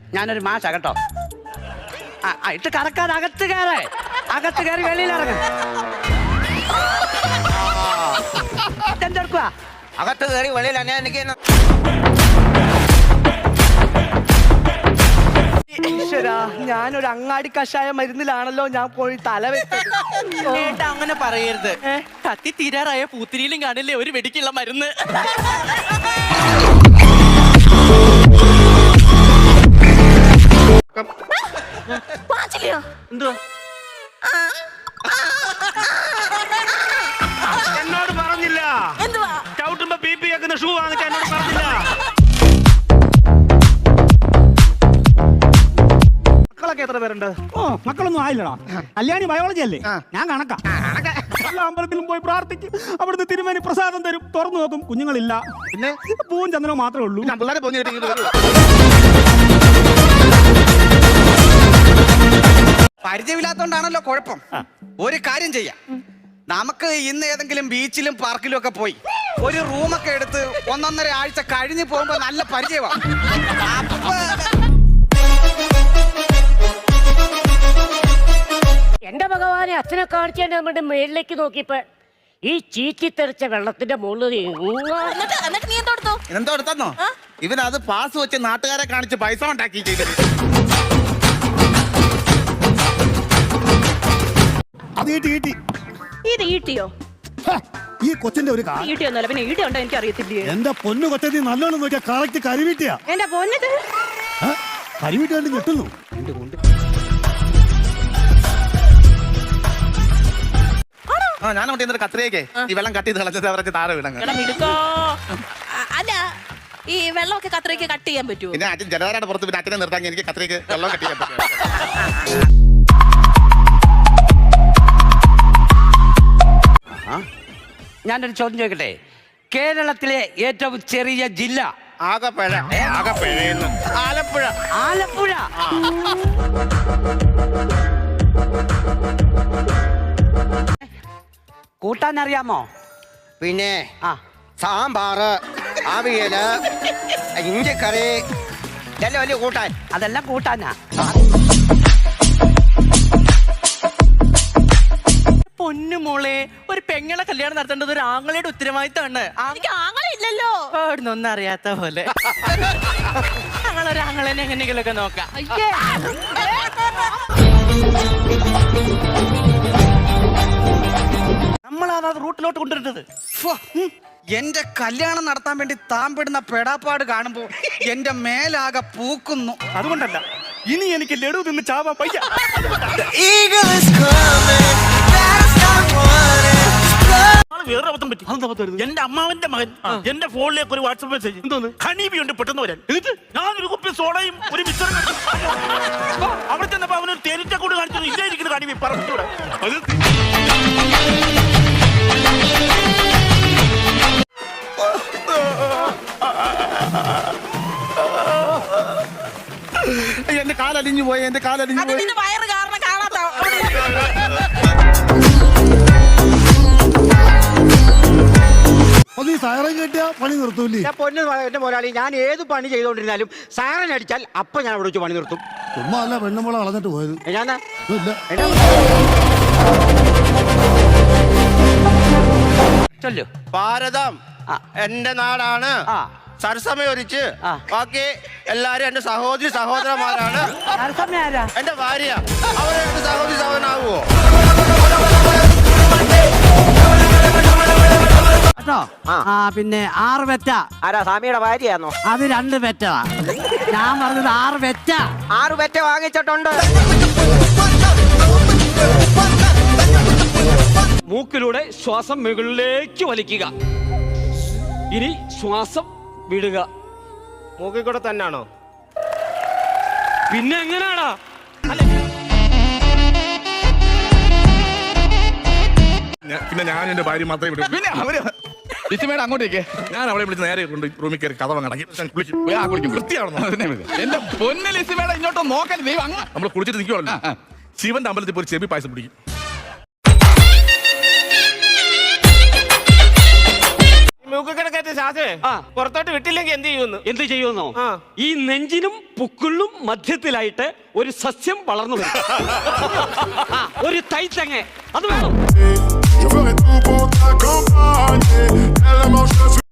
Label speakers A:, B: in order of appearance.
A: ഞാനൊരു മാഷ കേട്ടോ. ഇട്ട് കറക്കാതെ അകത്ത് കയറി വെളിയിൽ ഇറങ്ങും. എന്തെടുക്കുക?
B: അകത്ത് കയറി വെളിയിൽ എനിക്ക്
A: ഞാനൊരു അങ്ങാടി കഷായ മരുന്നിലാണല്ലോ ഞാൻ പോയി തല വെച്ചത്.
C: അങ്ങനെ പറയരുത്. കത്തി തീരാറായ പൂത്തിരിയിലും കാണില്ലേ ഒരു വെടിക്കുള്ള മരുന്ന്.
B: എന്തുവാ എന്നോട് പറഞ്ഞില്ല? ചവിട്ടുമ്പോ ബി പി വെക്കുന്ന ഷൂ വാങ്ങിച്ച എന്നോട് പറഞ്ഞില്ല?
A: മക്കളൊക്കെ എത്ര പേരുണ്ട്?
D: മക്കളൊന്നും ആയില്ലടാ. കല്യാണി ബയോളജി അല്ലേ, ഞാൻ കണക്കാ. എല്ലാ അമ്പലത്തിലും പോയി പ്രാർത്ഥിക്കും, അവിടുന്ന് തിരുമേനി പ്രസാദം തരും, തുറന്നു നോക്കും, കുഞ്ഞുങ്ങളില്ല. പിന്നെ പൂവും ചന്ദ്രനും മാത്രമേ ഉള്ളൂ.
B: പിള്ളേരെ പോയി
C: പരിചയമില്ലാത്തോണ്ടാണല്ലോ കുഴപ്പം. ഒരു കാര്യം ചെയ്യാം, നമുക്ക് ഇന്ന് ഏതെങ്കിലും ബീച്ചിലും പാർക്കിലും ഒക്കെ പോയി ഒരു റൂമൊക്കെ എടുത്ത് 1.5 ആഴ്ച കഴിഞ്ഞ് പോകുമ്പോ നല്ല പരിചയമാണ്.
E: എന്റെ ഭഗവാനെ, അച്ഛനെ കാണിച്ചാൽ നമ്മുടെ മേളിലേക്ക് നോക്കിയപ്പോ ഈ ചീച്ചി തെറിച്ച വെള്ളത്തിന്റെ മുകളിൽ
C: എന്തോ എടുത്തോ ഇവനത് പാസ് വെച്ച് നാട്ടുകാരെ കാണിച്ച് പൈസ ഉണ്ടാക്കി ചെയ്തത്.
D: അത് ഈട്ടി
F: ഇത് ഈട്ടിയോ?
D: ഈ കൊച്ചിന്റെ ഒരു
F: ഈട്ടിയൊന്നുമല്ല, പിന്നെ ഈട്ടി ഉണ്ടോ എനിക്ക് അറിയത്തില്ലേ.
D: എന്റെ പൊന്നു കൊച്ചി നല്ലോണം നോക്കിയാ കറക്റ്റ് കരിവീട്ടിയാ.
F: എന്റെ പൊന്നത്
D: കരിവീട്ടി കണ്ട് ഞെട്ടുന്നു.
C: ഞാൻ അവിടെ കത്രയൊക്കെ ഈ വെള്ളം കട്ട് ചെയ്ത് കളഞ്ഞത് അവർക്ക് താഴെ വീണങ്ങ്.
F: അല്ല, ഈ വെള്ളമൊക്കെ കത്രയ്ക്ക് കട്ട് ചെയ്യാൻ പറ്റുമോ?
C: പിന്നെ അച്ഛൻ ജലധാരയുടെ പുറത്ത് പിന്നെ അച്ഛനെ നിർത്താൻ എനിക്ക് കത്രയ്ക്ക് വെള്ളം കട്ട് ചെയ്യാൻ പറ്റും.
A: ഞാനൊരു ചോദ്യം ചോദിക്കട്ടെ? കേരളത്തിലെ ഏറ്റവും ചെറിയ ജില്ല?
C: ആലപ്പുഴ.
A: ആലപ്പുഴ. കൂട്ടാൻ അറിയാമോ?
B: പിന്നെ സാമ്പാറ്, അവിയല്, ഇഞ്ചിക്കറി ഇതെല്ലാം വലിയ കൂട്ടാൻ.
A: അതെല്ലാം കൂട്ടാനാ.
C: പൊന്നു മോളെ, ഒരു പെങ്ങളെ കല്യാണം നടത്തേണ്ടത് ഒരു ആങ്ങളയുടെ ഉത്തരവാദിത്തമാണ്.
F: ആങ്ങളില്ലല്ലോ.
C: ഒന്നും അറിയാത്ത പോലെ ഞങ്ങളൊരു ആങ്ങളെന്നെ എങ്ങനെയെങ്കിലൊക്കെ നോക്കാം.
A: നമ്മളാണ് അത് റൂട്ടിലോട്ട് കൊണ്ടുവരുന്നത്.
C: എന്റെ കല്യാണം നടത്താൻ വേണ്ടി താമ്പെടുന്ന പെടാപ്പാട് കാണുമ്പോ എന്റെ മേലാകെ പൂക്കുന്നു.
D: അതുകൊണ്ടല്ല, ഇനി എനിക്ക് ലഡു തിന്ന് ചാവാ പയ്യ.
G: വേറെ അബദ്ധം പറ്റി. എന്റെ അമ്മാവന്റെ മകൻ എന്റെ ഫോണിലേക്ക് ഒരു വാട്സ്ആപ്പ് മെസ്സേജ്, എന്തോന്ന് ഹണീബി ഉണ്ട് പെട്ടെന്ന് വരാൻ. എന്നിട്ട് ഞാനൊരു കുപ്പി സോഡയും ഒരു മിക്സറും അവിടെ ചെന്നപ്പോ അവനൊരു തേനീറ്റക്കൂട് കാണിച്ചത് ഇല്ലായിരിക്കുന്നു ഹണീബി പറഞ്ഞൂടെ.
C: എന്റെ കാലലിഞ്ഞു പോയി.
F: വയറ് കാരണം കാണാത്ത
D: നീ സൈറൻ കേട്ടിയാ പണി നിർത്തൂല്ലേ?
B: പൊന്നു എന്റെ മുതലാളി, ഞാൻ ഏത് പണി ചെയ്തോണ്ടിരുന്നാലും സൈറൻ അടിച്ചാൽ അപ്പൊ ഞാൻ അവിടെ വെച്ച് പണി നിർത്തും.
D: ചുമ്മാ അല്ല പെണ്ണുമ്പോളെ കളഞ്ഞിട്ട് പോയത്.
A: ചൊല്ലു.
B: ഭാരതം എന്റെ നാടാണ്. സരസമയൊരിച്ച് ബാക്കി എല്ലാരും എന്റെ സഹോദരി സഹോദരന്മാരാണ്. എന്റെ ഭാര്യ അവരെ എന്റെ സഹോദരി സഹോദരനാകുവോ?
A: പിന്നെ 6 പെറ്റ.
B: ആരാ സ്വാമിയുടെ ഭാര്യയാണോ?
A: അത് 2 പെറ്റാ. ഞാൻ പറഞ്ഞത് 6 പെറ്റ.
B: 6 പെറ്റ വാങ്ങിച്ചിട്ടുണ്ട്.
H: മൂക്കിലൂടെ ശ്വാസം മുകളിലേക്ക് വലിക്കുക. ഇനി ശ്വാസം വിടുക.
B: മൂക്കിൽ കൂടെ തന്നെയാണോ?
H: പിന്നെ എങ്ങനെയാണോ?
G: പിന്നെ ഞാൻ എന്റെ ഭാര്യ മാത്രമേ വിടും. പിന്നെ അവര് ലിസിമേടെ അങ്ങോട്ടേക്ക് ഞാൻ അവളെ വിളിച്ച് നേരെ കൊണ്ട് റൂമിൽ കയറി കഥ കുളിക്കും. വൃത്തിയാണെന്നോ എന്റെ പൊന്നെ ലിസിമേടെ ഇങ്ങോട്ട് നോക്കാൻ ദൈവം അങ്ങ് നമ്മൾ കുളിച്ചിട്ട് നിൽക്കുവാണല്ലോ. ശിവന്റെ അമ്പലത്തിൽ പോയി ചെവി പായസം പിടിക്കും.
B: മൂക്കിൽ കിടക്കത്തെ
I: ദാസേ
H: ആ.
I: പുറത്തോട്ട് വിട്ടില്ലെങ്കിൽ എന്ത് ചെയ്യുമെന്ന്?
H: എന്ത് ചെയ്യുമെന്നോ?
I: ആ.
H: ഈ നെഞ്ചിനും പുക്കിളിനും മധ്യത്തിലായിട്ട് ഒരു സസ്യം വളർന്നു വരും. ആ, ഒരു തൈത്തങ്ങ അത് വേണം.
J: Je ferai tout pour t'accompagner. Elle est mon